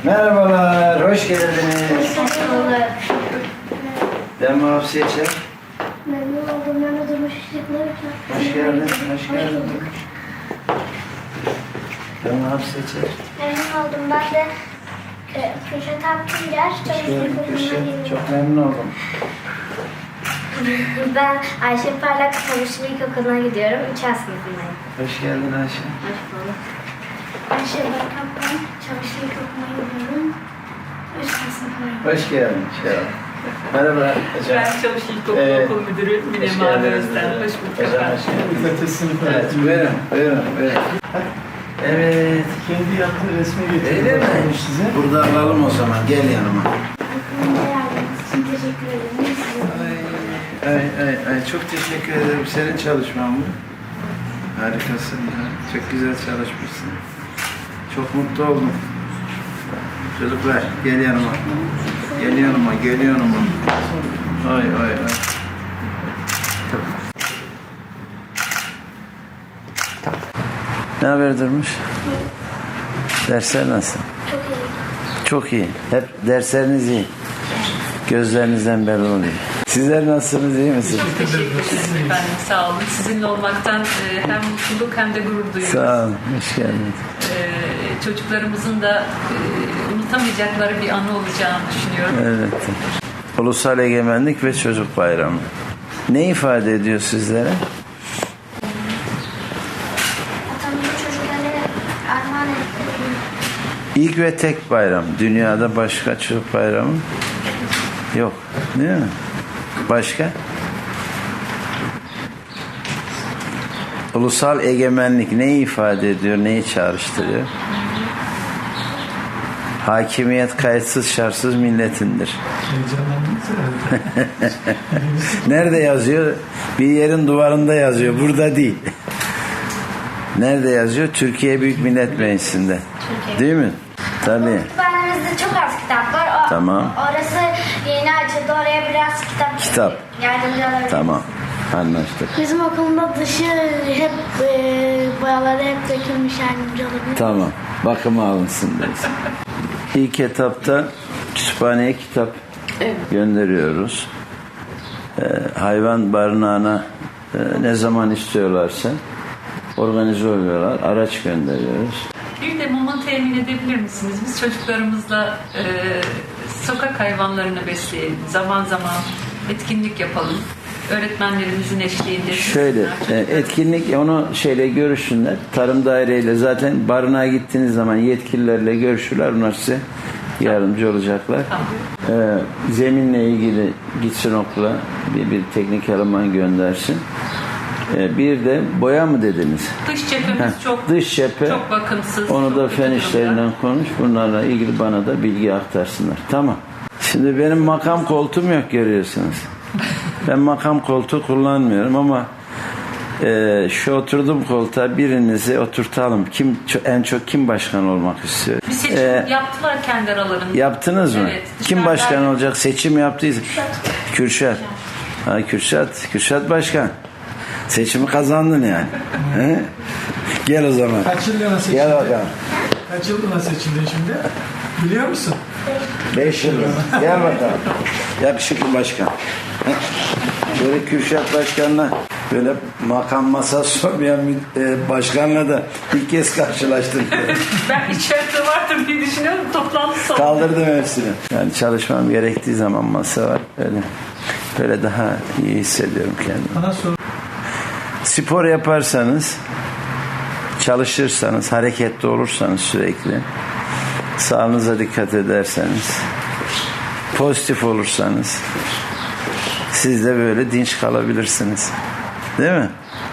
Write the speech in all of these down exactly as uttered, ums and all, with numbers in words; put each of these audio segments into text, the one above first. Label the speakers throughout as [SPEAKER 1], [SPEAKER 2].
[SPEAKER 1] Merhabalar, hoş geldiniz.
[SPEAKER 2] Hoş bulduk.
[SPEAKER 1] Ben Muhaf Seçer.
[SPEAKER 2] Memnun oldum. Ben de Durmuş Işıkları.
[SPEAKER 1] Hoş geldin, hoş geldin. Ben Muhaf Seçer.
[SPEAKER 2] Memnun oldum. Ben de e, Kürşat Akgünger.
[SPEAKER 1] Hoş geldin Kürşat. Çok memnun oldum.
[SPEAKER 2] Ben Ayşe Parlak Çavuşlu İlkokulu'na gidiyorum. üç A sınıfındayım.
[SPEAKER 1] Hoş geldin Ayşe.
[SPEAKER 2] Hoş bulduk. Ayşe Parlak ben Çavuşlu İlkokulu'na gidiyorum. üç A sınıfındayım.
[SPEAKER 1] Hoş geldin. Şey Merhaba hocam.
[SPEAKER 3] Ben Çavuş İlkokulu
[SPEAKER 1] Evet.
[SPEAKER 3] Okul Müdürü Mine Mavi Özden. Hoş bulduk
[SPEAKER 1] Hocam
[SPEAKER 3] efendim.
[SPEAKER 1] hoş geldiniz.
[SPEAKER 4] Pilates sınıfı
[SPEAKER 1] Evet,
[SPEAKER 4] öğretimi.
[SPEAKER 1] buyurun, buyurun, buyurun. Evet.
[SPEAKER 4] Kendi yaptığı resmi getirdi.
[SPEAKER 1] Öyle mi?
[SPEAKER 4] Bakmış size.
[SPEAKER 1] Burada alalım o zaman, gel yanıma.
[SPEAKER 2] Aklımda yardımınız için teşekkür ederim.
[SPEAKER 1] Ay, ay, ay, ay, çok teşekkür ederim. Senin çalışman bu. Harikasın ya. Çok güzel çalışmışsın. Çok mutlu oldum. Çocuklar, gel yanıma. Gel yanıma, gel yanıma. Ay, ay, ay. Ne haber Durmuş? Dersler nasıl?
[SPEAKER 2] Çok iyi.
[SPEAKER 1] Çok iyi. Hep dersleriniz iyi. Gözlerinizden belli oluyor. Sizler nasılsınız, iyi misiniz?
[SPEAKER 3] Çok teşekkür ederim efendim. Sağ olun. Sizinle olmaktan e, hem mutluluk hem de gurur duyuyoruz.
[SPEAKER 1] Sağ olun, hoş geldiniz.
[SPEAKER 3] E, çocuklarımızın da e, unutamayacakları bir anı olacağını düşünüyorum.
[SPEAKER 1] Evet. Ulusal Egemenlik ve Çocuk Bayramı. Ne ifade ediyor sizlere?
[SPEAKER 2] Atamızı çocuklara armağan ettiğim
[SPEAKER 1] İlk ve tek bayram. Dünyada başka çocuk bayramı yok. Değil mi? Başka? Ulusal egemenlik neyi ifade ediyor, neyi çağrıştırıyor? Hakimiyet kayıtsız şartsız milletindir.
[SPEAKER 4] Heyecanlandınız herhalde.
[SPEAKER 1] Nerede yazıyor? Bir yerin duvarında yazıyor. Burada değil. Nerede yazıyor? Türkiye Büyük Millet Meclisi'nde. Değil mi? Tabii.
[SPEAKER 2] Kütüphanemizde çok az kitap var. O,
[SPEAKER 1] Tamam.
[SPEAKER 2] Orası yeni açıldı. Oraya biraz kitap
[SPEAKER 1] Kitap.
[SPEAKER 2] yardımcı olabilir.
[SPEAKER 1] Tamam. Anlaştık.
[SPEAKER 2] Bizim okulunda dışı hep e, boyaları hep dökülmüş, yardımcı olabilir.
[SPEAKER 1] Tamam. Bakıma alınsın deriz. İlk etapta kütüphaneye kitap gönderiyoruz. Ee, hayvan barınağına e, ne zaman istiyorlarsa organize oluyorlar. Araç gönderiyoruz.
[SPEAKER 3] Bir de mama temin edebilir misiniz? Biz çocuklarımızla e, sokak hayvanlarını besleyelim. Zaman zaman etkinlik yapalım. Öğretmenlerimizin eşliğinde.
[SPEAKER 1] Şöyle e, etkinlik onu şeyle görüşsünler. Tarım daireyle zaten barınağa gittiğiniz zaman yetkililerle görüşürler. Onlar size yardımcı olacaklar. Ee, zeminle ilgili gitsin okula bir, bir teknik eleman göndersin. Ee, bir de boya mı dediniz?
[SPEAKER 3] Dış cephemiz
[SPEAKER 1] Heh,
[SPEAKER 3] çok
[SPEAKER 1] dış cephe.
[SPEAKER 3] çok bakımsız.
[SPEAKER 1] Onu
[SPEAKER 3] çok
[SPEAKER 1] da
[SPEAKER 3] kötü
[SPEAKER 1] fen
[SPEAKER 3] durumda.
[SPEAKER 1] işlerinden konuş. Bunlarla ilgili bana da bilgi aktarsınlar. Tamam. Şimdi benim makam koltuğum yok, görüyorsunuz. Ben makam koltuğu kullanmıyorum ama e, şu oturduğum koltuğa birinizi oturtalım. Kim en çok kim başkan olmak istiyor?
[SPEAKER 3] Bir seçim
[SPEAKER 1] Ee,
[SPEAKER 3] yaptılar kendi aralarında.
[SPEAKER 1] Yaptınız mı?
[SPEAKER 3] Evet,
[SPEAKER 1] Kim
[SPEAKER 3] dışarıda-
[SPEAKER 1] başkan olacak? Seçim yaptıysa. Kürşat. Ha, Kürşat. Kürşat başkan. Seçimi kazandın yani. He? Gel o zaman.
[SPEAKER 4] Kaç yıllığına seçildin?
[SPEAKER 1] Gel bakalım.
[SPEAKER 4] Kaç yıllığına seçildin şimdi? Biliyor musun?
[SPEAKER 1] Beş yıl. Gel bakalım. Yakışıklı başkan. He? Böyle Kürşat başkanla böyle makam masası olmayan bir e, başkanla da ilk kez karşılaştım.
[SPEAKER 3] Ben içeride vardır diye düşünüyorum. Toplantı salonu.
[SPEAKER 1] Kaldırdım hepsini. Yani çalışmam gerektiği zaman masa var. Böyle, böyle daha iyi hissediyorum kendimi.
[SPEAKER 4] Bana sor.
[SPEAKER 1] Spor yaparsanız, çalışırsanız, hareketli olursanız sürekli, sağlığınıza dikkat ederseniz, pozitif olursanız, siz de böyle dinç kalabilirsiniz. Değil mi?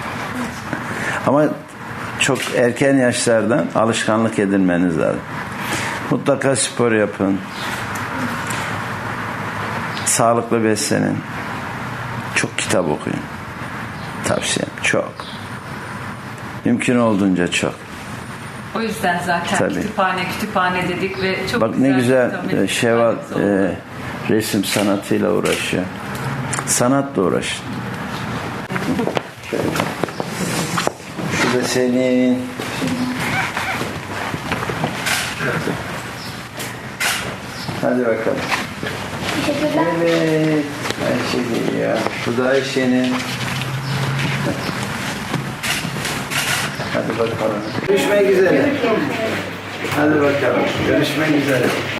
[SPEAKER 1] Ama çok erken yaşlardan alışkanlık edinmeniz lazım. Mutlaka spor yapın. Sağlıklı beslenin. Çok kitap okuyun. Tavsiyem çok. Mümkün olduğunca çok.
[SPEAKER 3] O yüzden zaten
[SPEAKER 1] Tabii.
[SPEAKER 3] kütüphane kütüphane dedik ve çok
[SPEAKER 1] Bak ne güzel
[SPEAKER 3] kitap
[SPEAKER 1] e, Şevval
[SPEAKER 3] kütüphanemiz oldu.
[SPEAKER 1] e, resim sanatıyla uğraşıyor. Sanatla uğraşın. Şu da senin. Hadi bakalım.
[SPEAKER 2] Teşekkürler.
[SPEAKER 1] Evet. Ayşe geliyor. Bu da Ayşe'nin. Hadi bakalım. Görüşmek üzere. Hadi bakalım. Görüşmek üzere.